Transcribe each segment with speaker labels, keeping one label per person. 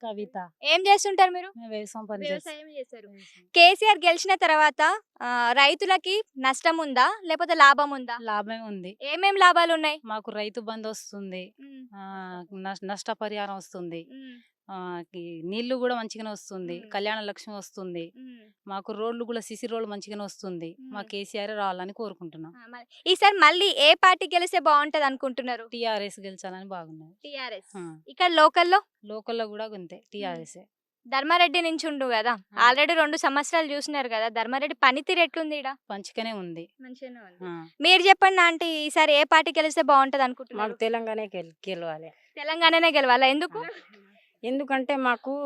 Speaker 1: కవిత.
Speaker 2: ఏం చేస్తుంటారు మీరు?
Speaker 1: మేము వ్యవసాయం పని
Speaker 2: వ్యవసాయం చేస్తారు.
Speaker 1: చేస్తాం.
Speaker 2: కేసీఆర్ గెలిచిన తర్వాత రైతులకి నష్టం ఉందా? లేకపోతే లాభం ఉందా?
Speaker 1: లాభమే ఉంది.
Speaker 2: ఏమేం లాభాలున్నాయి?
Speaker 1: మాకు రైతు బంధు వస్తుంది.
Speaker 2: హ్మ్.
Speaker 1: నష్టపరిహారం వస్తుంది.
Speaker 2: హ్మ్.
Speaker 1: ఈ నీళ్లు కూడా మంచిగానే వస్తుంది.
Speaker 2: హ్మ్.
Speaker 1: కళ్యాణ లక్ష్మి వస్తుంది.
Speaker 2: హ్మ్.
Speaker 1: మాకు రోడ్లు కూడా సిసి రోడ్లు మంచిగానే వస్తుంది. మా
Speaker 2: హ్మ్.
Speaker 1: కేసీఆర్ రావాలని కోరుకుంటున్నాం.
Speaker 2: ఈసారి మళ్ళీ ఏ పార్టీ గెలిస్తే బాగుంటది అనుకుంటున్నారు?
Speaker 1: టీఆర్ఎస్ గెలిచాలని బాగున్నది.
Speaker 2: టీఆర్ఎస్.
Speaker 1: ఆ.
Speaker 2: ఇక్కడ లోకల్లో
Speaker 1: లోకల్లో కూడా అంతే టీఆర్ఎస్.
Speaker 2: ధర్మారెడ్డి నించుండు కదా, ఆల్రెడీ 2 సంవత్సరాలు చూసినారు కదా, ధర్మారెడ్డి పనితీరు ఎట్లుంది ఈడ?
Speaker 1: మంచిగానే ఉంది.
Speaker 2: మంచిగానే ఉంది.
Speaker 1: ఆ.
Speaker 2: మీరు చెప్పండి ఆంటీ, ఈసారి ఏ పార్టీ గెలిస్తే బాగుంటది అనుకుంటున్నారు?
Speaker 3: మాకు తెలంగాణ గెలవాలి.
Speaker 2: తెలంగాణనే గెలవాలా? ఎందుకు?
Speaker 3: ఎందుకంటే మాకు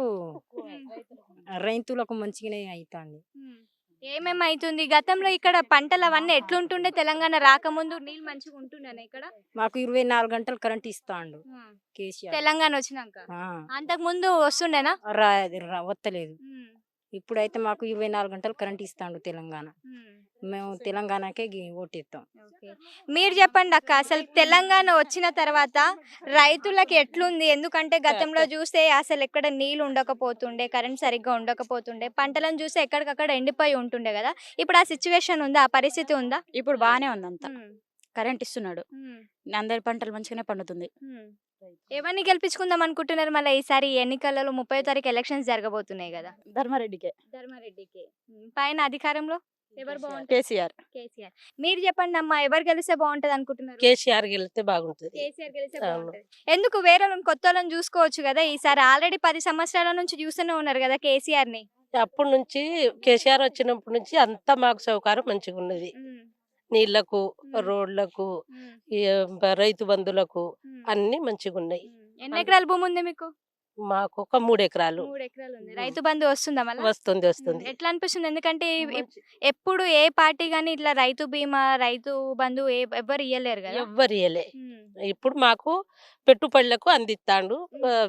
Speaker 3: రైతులకు మంచిగానే అవుతుంది.
Speaker 2: ఏమేమి అవుతుంది గతంలో? ఇక్కడ పంటలు అవన్నీ ఎట్లుంటుండే? తెలంగాణ రాకముందు నీళ్ళు మంచిగా ఉంటుండేనా ఇక్కడ?
Speaker 3: మాకు 24 గంటలు కరెంట్ ఇస్తాండు కేసీఆర్.
Speaker 2: తెలంగాణ వచ్చినాక
Speaker 3: ఆ,
Speaker 2: అంతకు ముందు వస్తుండేనా?
Speaker 3: వత్తలేదు. ఇప్పుడైతే మాకు 24 గంటలు కరెంట్ ఇస్తాండు తెలంగాణ. మేము తెలంగాణకే ఓటేస్తాం.
Speaker 2: మీరు చెప్పండి అక్క, అసలు తెలంగాణ వచ్చిన తర్వాత రైతులకి ఎట్లుంది? ఎందుకంటే గతంలో చూస్తే అసలు ఎక్కడ నీళ్లు ఉండకపోతుండే, కరెంట్ సరిగ్గా ఉండకపోతుండే, పంటలను చూస్తే ఎక్కడికక్కడ ఎండిపోయి ఉంటుండే కదా. ఇప్పుడు ఆ సిచ్యువేషన్ ఉందా? ఆ పరిస్థితి ఉందా?
Speaker 4: ఇప్పుడు బానే ఉంది అంతా. కరెంట్ ఇస్తున్నాడు. అందరి పంటలు మంచిగానే పండుతుంది.
Speaker 2: ఎవరిని గెలిపించుకుందాం అనుకుంటున్నారు మళ్ళీ ఈసారి ఎన్నికలలో? 30వ తారీఖు ఎలక్షన్స్ జరగబోతున్నాయి కదా.
Speaker 4: ధర్మారెడ్డికే.
Speaker 2: ధర్మారెడ్డికి. పైన అధికారంలో ఎవరు బాగుంటారు?
Speaker 4: కేసీఆర్.
Speaker 2: కేసీఆర్. మీరు చెప్పండి అమ్మా, ఎవరు గెలిస్తే బాగుంటది అనుకుంటున్నారు?
Speaker 5: కేసీఆర్ గెలిస్తే బాగుంటుంది.
Speaker 2: కేసీఆర్ గెలిస్తే
Speaker 5: అవును.
Speaker 2: బాగుంటది. ఎందుకు వేరే వాళ్ళని, కొత్త వాళ్ళని చూసుకోవచ్చు కదా? ఈసారి ఆల్రెడీ 10 సంవత్సరాల నుంచి చూస్తూనే ఉన్నారు కదా కేసీఆర్ ని.
Speaker 5: అప్పటి నుంచి కేసీఆర్ వచ్చినప్పటి నుంచి అంతా మాకు సౌకర్యం మంచిగా ఉన్నది. నీళ్లకు, రోడ్లకు, ఈ రైతు బంధులకు అన్ని మంచిగా ఉన్నాయి.
Speaker 2: ఎన్ని ఎకరాల భూమి ఉంది మీకు?
Speaker 5: మాకు ఒక 3 ఎకరాలు
Speaker 2: 3 ఎకరాలు ఉంది. రైతు బంధు వస్తుందా మళ్ళీ?
Speaker 5: వస్తుంది.
Speaker 2: ఎట్లా అనిపిస్తుంది? ఎందుకంటే ఎప్పుడు ఏ పార్టీ గానీ ఇట్లా రైతు బీమా, రైతు బంధు ఎవ్వరు ఇయ్యలేరు కదా.
Speaker 5: ఎవ్వరు ఇయ్యలే. ఇప్పుడు మాకు పెట్టుబడులకు అందిస్తాండు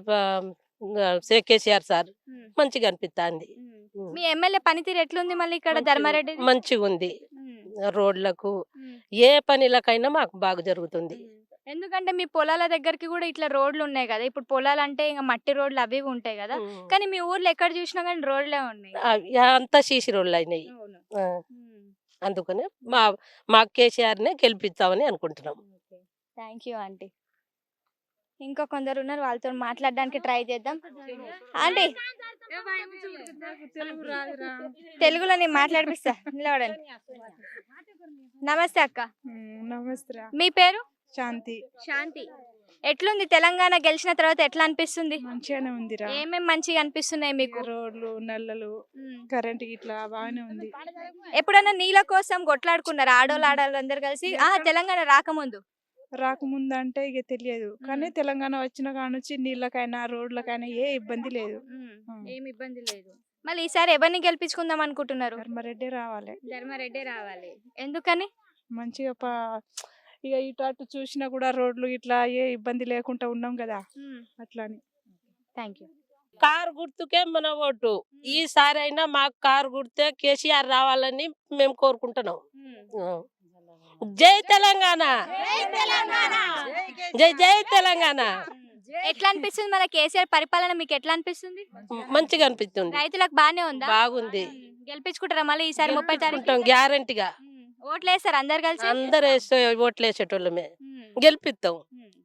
Speaker 5: కేసీఆర్ సార్. మంచిగా అనిపిస్తుంది.
Speaker 2: మీ ఎమ్మెల్యే పనితీరు ఎట్లుంది మళ్ళీ ఇక్కడ ధర్మారెడ్డి?
Speaker 5: మంచిగా ఉంది. రోడ్లకు ఏ పనిలకైనా మాకు బాగా జరుగుతుంది.
Speaker 2: ఎందుకంటే మీ పొలాల దగ్గరికి కూడా ఇట్లా రోడ్లు ఉన్నాయి కదా. ఇప్పుడు పొలాలు అంటే ఇంకా మట్టి రోడ్లు అవి ఇవి ఉంటాయి కదా, కానీ మీ ఊర్లో ఎక్కడ చూసినా కానీ రోడ్లే ఉన్నాయి.
Speaker 5: అంతా సీసీ రోడ్లు అయినాయి. అందుకనే మా కేసీఆర్ నే గెలిపిస్తామని అనుకుంటున్నాం.
Speaker 2: Thank you aunty. ఇంకా కొందరు ఉన్నారు, వాళ్ళతో మాట్లాడడానికి ట్రై చేద్దాం. ఆంటీ, తెలుగులో నేను మాట్లాడిపిస్తా, నిలబడండి. నమస్తే అక్క.
Speaker 6: నమస్తే.
Speaker 2: మీ పేరు?
Speaker 6: శాంతి.
Speaker 2: శాంతి. ఎట్లుంది తెలంగాణ గెలిచిన తర్వాత? ఎట్లా అనిపిస్తుంది?
Speaker 6: మంచిగానే ఉందిరా.
Speaker 2: ఏమేమి మంచిగా అనిపిస్తున్నాయి మీకు?
Speaker 6: రోడ్లు, నల్లలు, కరెంట్ ఇట్లా బాగానే ఉంది.
Speaker 2: ఎప్పుడైనా నీళ్ళ కోసం కొట్లాడుకున్నారు ఆడోళ్ళు అందరు కలిసి? తెలంగాణ రాకముందు
Speaker 6: అంటే ఇక తెలియదు, కానీ తెలంగాణ వచ్చిన కాడ నుంచి నీళ్ళకైనా రోడ్లకైనా ఏ ఇబ్బంది లేదు.
Speaker 2: ఏమి ఇబ్బంది లేదు. మళ్ళీ ఈసారి ఎవరిని గెలిపించుకుందాం అనుకుంటున్నారు?
Speaker 6: ధర్మారెడ్డి రావాలి.
Speaker 2: ధర్మారెడ్డి రావాలి. ఎందుకని?
Speaker 6: మంచిగా ఇక ఇటు అటు చూసినా కూడా రోడ్లు ఇట్లా ఏ ఇబ్బంది లేకుండా ఉన్నాం కదా, అట్లా అని.
Speaker 2: Thank you.
Speaker 5: కారు గుర్తుకే మన ఓటు. ఈసారి అయినా మాకు కారు గుర్తే కేసీఆర్ రావాలని మేము కోరుకుంటున్నాం. జై తెలంగాణ, జై జై తెలంగాణ.
Speaker 2: ఎట్లా అనిపిస్తుంది మన కేసీఆర్ పరిపాలన? మీకు ఎట్లా అనిపిస్తుంది?
Speaker 5: మంచిగా అనిపిస్తుంది.
Speaker 2: రైతులకు బానే ఉందా?
Speaker 5: బాగుంది.
Speaker 2: గెలిపించుకుంటారా మళ్ళీ ఈసారి 30 తారీఖు?
Speaker 5: గ్యారంటీగా
Speaker 2: ఓట్లు వేస్తారు అందరు కలిసి?
Speaker 5: అందరు ఓట్లు వేసేటోళ్ళమే. గెలిపిస్తాం.